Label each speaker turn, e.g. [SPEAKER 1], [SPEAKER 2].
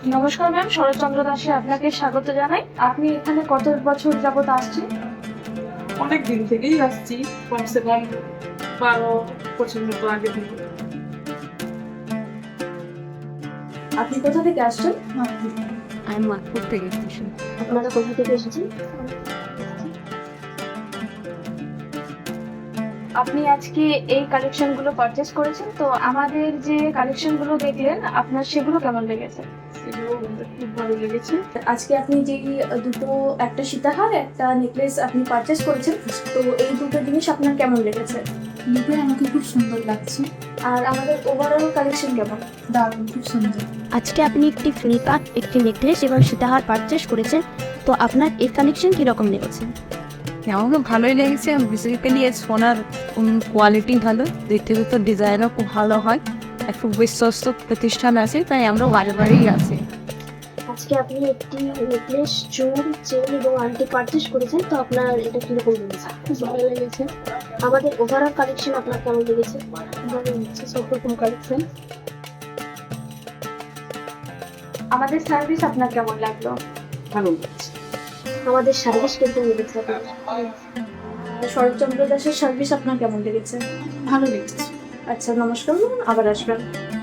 [SPEAKER 1] নমস্কার ম্যাম, শরৎচন্দ্র দাসে আপনাকে স্বাগত জানাই। আপনি এখানে কত বছর যাবত আসছেন?
[SPEAKER 2] অনেক দিন থেকেই আসছি, কমসে কম 12 বছর মতো আগে থেকে।
[SPEAKER 1] আপনি কোথা থেকে আসছেন?
[SPEAKER 3] আমি মাতপুর থেকে এসেছি।
[SPEAKER 1] আপনারা কোথা থেকে এসেছেন? আপনি আজকে এই কালেকশন গুলো পারচেস করেছেন, তো আমাদের যে কালেকশন গুলো দেখলেন আপনার সেগুলো কেমন লেগেছে?
[SPEAKER 2] সেগুলো আমাদের খুব ভালো লেগেছে।
[SPEAKER 1] আজকে আপনি যেই দুটো, একটা সীতাহার একটা নেকলেস আপনি পারচেস করেছেন, তো এই দুটো জিনিস আপনার কেমন লেগেছে?
[SPEAKER 3] দুটোই আমাকে খুব সুন্দর লাগছে।
[SPEAKER 1] আর আমাদের ওভারঅল কালেকশন কেমন?
[SPEAKER 3] দারুণ, খুব সুন্দর।
[SPEAKER 4] আজকে আপনি একটি ফ্লিপকার্ট একটি নেকলেস এবং সীতাহার পারচেস করেছেন, তো আপনার এই কালেকশন কিরকম লেগেছে?
[SPEAKER 3] আমাকে ভালোই লেগেছে। বেসিক্যালি এই সোনার কোয়ালিটি ভালো, দেখতে দেখতে ডিজাইনও খুব ভালো হয়। একটু বিশ্বস্ত প্রতিষ্ঠান আছে, তাই আমরা বারেবারেই আছি।
[SPEAKER 1] আজকে আপনি একটি নেকলেস, চুল, চেন এবং আংটি পারচেস করেছেন, তো আপনার এটা কিরকম লেগেছে?
[SPEAKER 2] ভালো লেগেছে।
[SPEAKER 1] আমাদের ওভারঅল কালেকশন আপনার কেমন লেগেছে?
[SPEAKER 2] ভালো লেগেছে, সব রকম কালেকশন।
[SPEAKER 1] আমাদের সার্ভিস আপনার কেমন লাগলো?
[SPEAKER 2] ভালো লেগেছে।
[SPEAKER 1] আমাদের সার্ভিস কিরকম লেগেছে আপনার? শরৎচন্দ্র দাসের সার্ভিস আপনার কেমন লেগেছে?
[SPEAKER 2] ভালো লেগেছে।
[SPEAKER 1] আচ্ছা, নমস্কার ম্যাম, আবার আসবেন।